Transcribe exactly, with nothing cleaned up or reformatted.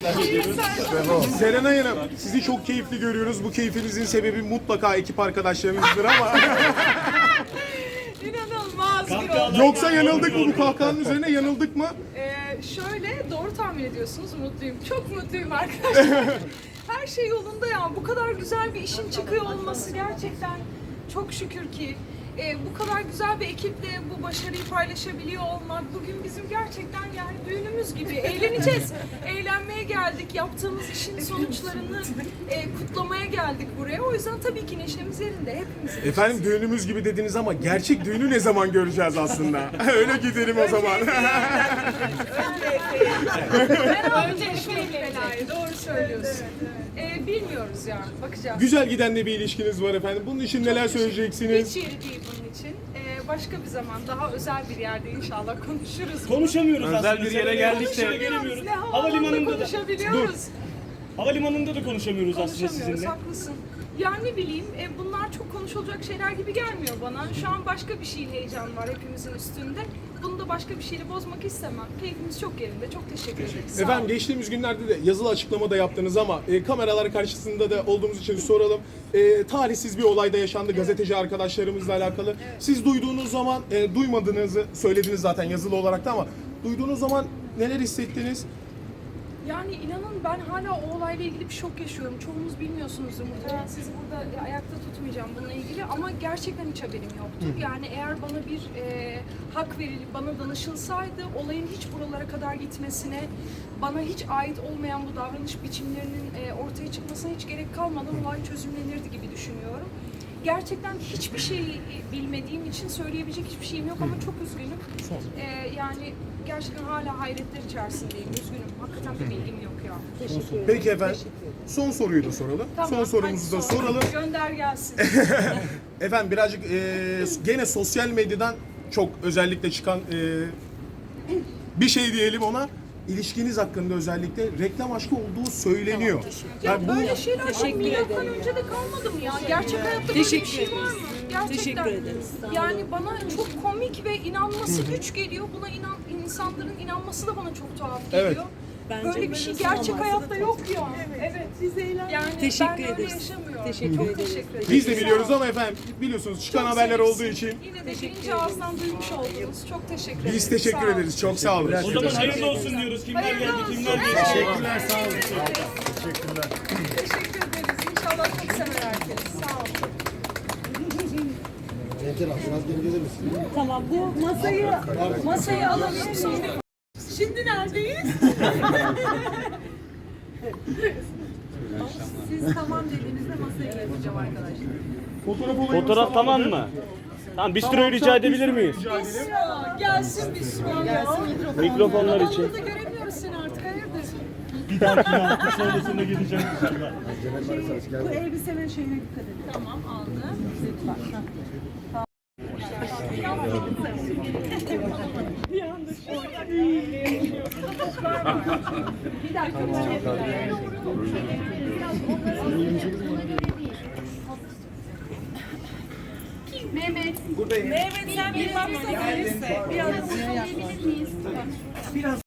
devam ediyoruz. Serenay Hanım, sizi çok keyifli görüyoruz. Bu keyfinizin sebebi mutlaka ekip arkadaşlarınızdır ama İnanılmaz bir Kahkahalar- olay. yoksa yanıldık mı? Bu kahkahanın üzerine yanıldık mı? Ee, şöyle doğru tahmin ediyorsunuz. Mutluyum. Çok mutluyum arkadaşlar. Her şey yolunda ya. Bu kadar güzel bir işin çıkıyor olması gerçekten çok şükür ki. Ee, bu kadar güzel bir ekiple bu başarıyı paylaşabiliyor olmak bugün bizim gerçekten yani düğünümüz gibi. Eğleneceğiz. Eğlenmeye geldik. Yaptığımız işin sonuçlarını e, kutlamaya geldik buraya. O yüzden tabii ki neşemiz yerinde. Hepimiz. Efendim düğünümüz gibi dediniz ama gerçek düğünü ne zaman göreceğiz aslında? Öyle gidelim o zaman. Ben önce belayı. Doğru söylüyorsun. Ee, bilmiyoruz ya. Bakacağız. Güzel giden de bir ilişkiniz var efendim. Bunun için neler söyleyeceksiniz? Hiç yeri değil bunun için. Ee, başka bir zaman daha özel bir yerde inşallah konuşuruz. Konuşamıyoruz Özel aslında. bir yere Serenay geldik de- Hanım'la gelemiyoruz. Ne havaalanında Havalimanında da. konuşabiliyoruz. Havalimanında da konuşamıyoruz aslında Konuşamıyoruz, sizinle. haklısın. Ya ne bileyim, e, bunlar çok konuşulacak şeyler gibi gelmiyor bana. Şu an başka bir şeyin heyecanı var hepimizin üstünde. Bunu da başka bir şeyle bozmak istemem. Keyfimiz çok yerinde. Çok teşekkür ederiz. Sağ Efendim olun. geçtiğimiz günlerde de yazılı açıklama da yaptınız ama e, kameralar karşısında da olduğumuz için soralım. E, tarihsiz bir olayda yaşandı gazeteci arkadaşlarımızla alakalı. Siz duyduğunuz zaman, e, duymadığınızı söylediniz zaten yazılı olarak da ama duyduğunuz zaman neler hissettiniz? Yani inanın ben hala o olayla ilgili bir şok yaşıyorum. Çoğunuz bilmiyorsunuzdur muhtemelen. Sizi burada ayakta tutmayacağım bununla ilgili ama gerçekten hiç haberim yoktu. Yani eğer bana bir e, hak verilip bana danışılsaydı olayın hiç buralara kadar gitmesine, bana hiç ait olmayan bu davranış biçimlerinin e, ortaya çıkmasına hiç gerek kalmadan olay çözümlenirdi gibi düşünüyorum. Gerçekten hiçbir şey bilmediğim için söyleyebilecek hiçbir şeyim yok ama çok üzgünüm. Ee, yani gerçekten hala hayretler içerisindeyim. Üzgünüm. Hakikaten bir bilgim yok ya. Peki efendim. Son soruyu da soralım. Son sorumuzu da hadi sor. soralım. Gönder gelsin. Efendim birazcık e, gene sosyal medyadan çok özellikle çıkan e, bir şey diyelim ona. İlişkiniz hakkında özellikle reklam aşkı olduğu söyleniyor. Ya Yani bu böyle şeyler çok milattan önce de kalmadı mı ya? Gerçek hayatta böyle bir Teşekkür şey var mı? Gerçekten. Teşekkür ederiz. Sağ olun. Yani bana çok komik ve inanması güç geliyor. Buna inan insanların inanması da bana çok tuhaf geliyor. Evet. Bence Böyle bir şey böyle gerçek olmazsa hayatta da yok ya. Evet. Biz eğlendik. Yani Teşekkür ben öyle ederiz. yaşamıyorum. Teşekkür çok ederiz. teşekkür ederim. biz de Sağ biliyoruz olun. ama efendim biliyorsunuz çıkan Çok haberler sevimsin. olduğu için Yine de birinci ağızdan duymuş oldunuz. Çok teşekkür ederiz. biz teşekkür Sağ olun. ederiz. Çok sağ olun. O zaman hayırlı olsun diyoruz. Kimler Hayırlı geldi, olsun. kimler Evet. geçti. Teşekkürler, sağ olun. Teşekkürler. Teşekkür ederiz. İnşallah çok sever herkes. Sağ olun. Tamam bu masayı masayı alalım sonra. Şimdi neredeyiz? Siz tamam dediğinizde masayı getireceğim arkadaşlar. Fotoğraf olayımız Fotoğraf tamam mı? Tamam bistroyu rica edebilir miyiz? Bismillah. Gelsin bismillah. Mikrofonlar için. Burada göremiyoruz seni artık. Hayırdır? Bir dahaki hafta sonrasında geleceğim inşallah. Bu elbisenin şeyine dikkat edin. Tamam aldım. Lütfen. Bir dakika. Mehmet. Buradayım. Mehmet sen bir baksana. Biraz. Biraz.